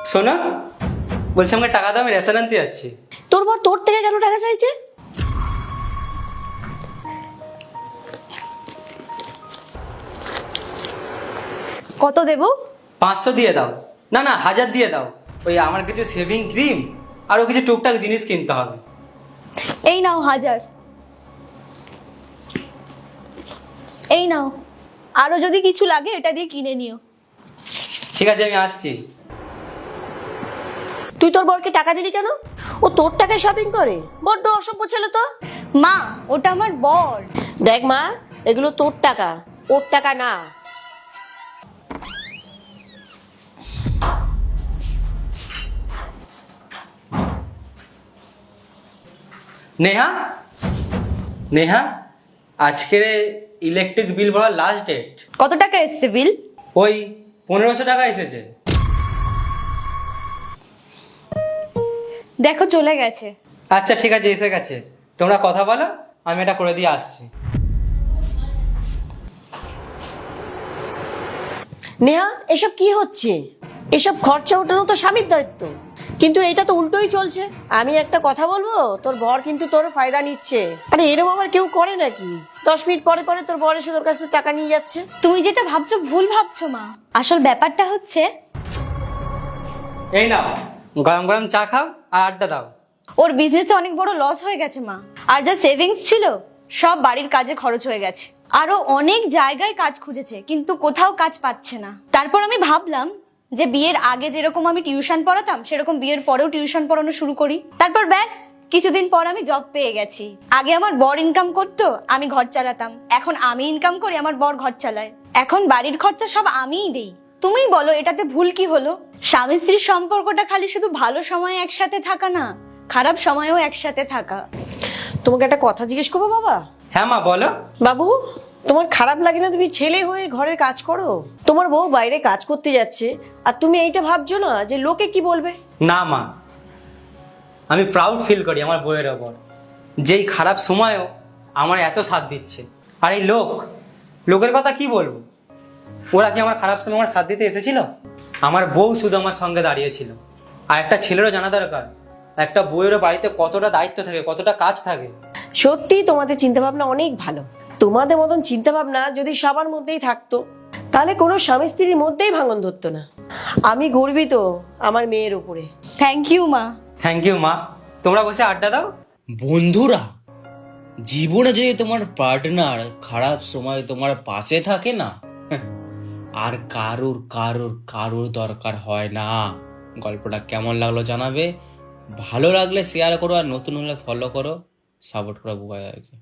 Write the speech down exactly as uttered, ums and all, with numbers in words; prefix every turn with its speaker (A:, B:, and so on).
A: শোনো, বলছি আমাকে টাকা দাও, আমি রেশন আনতে যাচ্ছি।
B: তোর বর তোর থেকে কেন টাকা চাইছে?
C: কত দেবো?
A: পাঁচশো দিয়ে দাও। না না, হাজার দিয়ে দাও। ওই আমার কিছু সেভিং ক্রিম আরও কিছু টুকটাক জিনিস কিনতে হবে।
C: এই নাও হাজার। এই নাও, আরো যদি কিছু লাগে এটা দিয়ে কিনে নিও।
A: ঠিক আছে, আমি আসছি।
B: তুই তোর বরকে টাকা দিলি কেন? ও তোর টাকায় শপিং করে? বড্ড অসভ্য ছেলে তো।
C: মা, ওটা আমার বর।
B: দেখ মা, এগুলো তোর টাকা, ওর টাকা না।
A: নেহা, নেহা, আজকের ইলেকট্রিক বিল ভরার লাস্ট ডেট।
C: কত টাকা এসছে বিল?
A: ওই পনেরোশো টাকা এসেছে।
C: দেখো চলে গেছে।
A: আচ্ছা ঠিক আছে, এসে গেছে। তোমরা কথা বলো, আমি এটা করে দিয়ে আসছি।
B: নেহা, এসব কি হচ্ছে? এসব খরচা ওঠানো তো স্বামীর দায়িত্ব, কিন্তু এটা তো উল্টোই চলছে। আমি একটা কথা বলবো, তোর বর কিন্তু তোর ফায়দা নিচ্ছে। আরে এরকম আবার কেউ করে নাকি? দশ মিনিট পরে পরে তোর বর এসে তোর কাছ থেকে টাকা নিয়ে যাচ্ছে।
C: তুমি যেটা ভাবছো ভুল ভাবছো মা। আসল ব্যাপারটা হচ্ছে
A: এই নাও, গরম গরম চা খাও আর আড্ডা দাও।
C: ওর বিজনেসে অনেক বড় লস হয়ে গেছে মা। আর যা সেভিংস ছিল সব বাড়ির কাজে খরচ হয়ে গেছে। আরো অনেক জায়গায় কাজ খুঁজেছে, কিন্তু কোথাও কাজ পাচ্ছে না। তারপর আমি ভাবলাম যে বিয়ের আগে যেরকম আমি টিউশন পড়াতাম সেরকম বিয়ের পরেও টিউশন পড়ানো শুরু করি। তারপর ব্যাস কিছুদিন পর আমি জব পেয়ে গেছি। আগে আমার বর ইনকাম করতো, আমি ঘর চালাতাম। এখন আমি ইনকাম করি, আমার বর ঘর চালায়। এখন বাড়ির খরচা সব আমিই দেই। তুমিই বলো এটাতে ভুল কি হলো? স্বামী স্ত্রীর সম্পর্কটা খালি শুধু ভালো সময় একসাথে থাকা না, খারাপ সময়েও একসাথে থাকা।
B: তোমাকে একটা কথা জিজ্ঞেস করবো বাবা?
A: হ্যাঁ মা, বলো।
B: বাবু, তোমার খারাপ লাগে না তুমি ছেলে হয়ে ঘরের কাজ করো? তোমার বউ বাইরে কাজ করতে যাচ্ছে আর তুমি এইটা ভাবছো না যে লোকে কি বলবে?
A: না মা, আমি প্রাউড ফিল করি আমার বউয়ের ওপর, যেই খারাপ সময়ও আমার এত সাথ দিচ্ছে। আর এই লোক, লোকের কথা কি বলবো? ওরা কি আমার খারাপ সময় আমার সাথ দিতে এসেছিল? আমার বউ শুধু আমার সঙ্গে দাঁড়িয়েছিল। আর একটা ছেলেরও জানা দরকার একটা বউয়েরও বাড়িতে কতটা দায়িত্ব থাকে, কতটা কাজ থাকে।
B: সত্যি তোমাদের চিন্তা ভাবনা অনেক ভালো। তোমাদের মতন চিন্তা ভাবনা যদি সবার মধ্যেই থাকতো তাহলে কোনো স্বামী স্ত্রীর মধ্যেই ভাঙন ধরতো না। আমি গর্বিত আমার মেয়ের উপরে।
C: থ্যাংক ইউ মা।
A: থ্যাংক ইউ মা। তোমরা বসে আড্ডা দাও।
D: বন্ধুরা, জীবনে যদি তোমার পার্টনার খারাপ সময় তোমার পাশে থাকে না, আর কারোর কারোর কারোর দরকার হয় না। গল্পটা কেমন লাগলো জানাবে, ভালো লাগলে শেয়ার করো, আর নতুন হলে ফলো করো, সাপোর্ট করো বুবাইকে।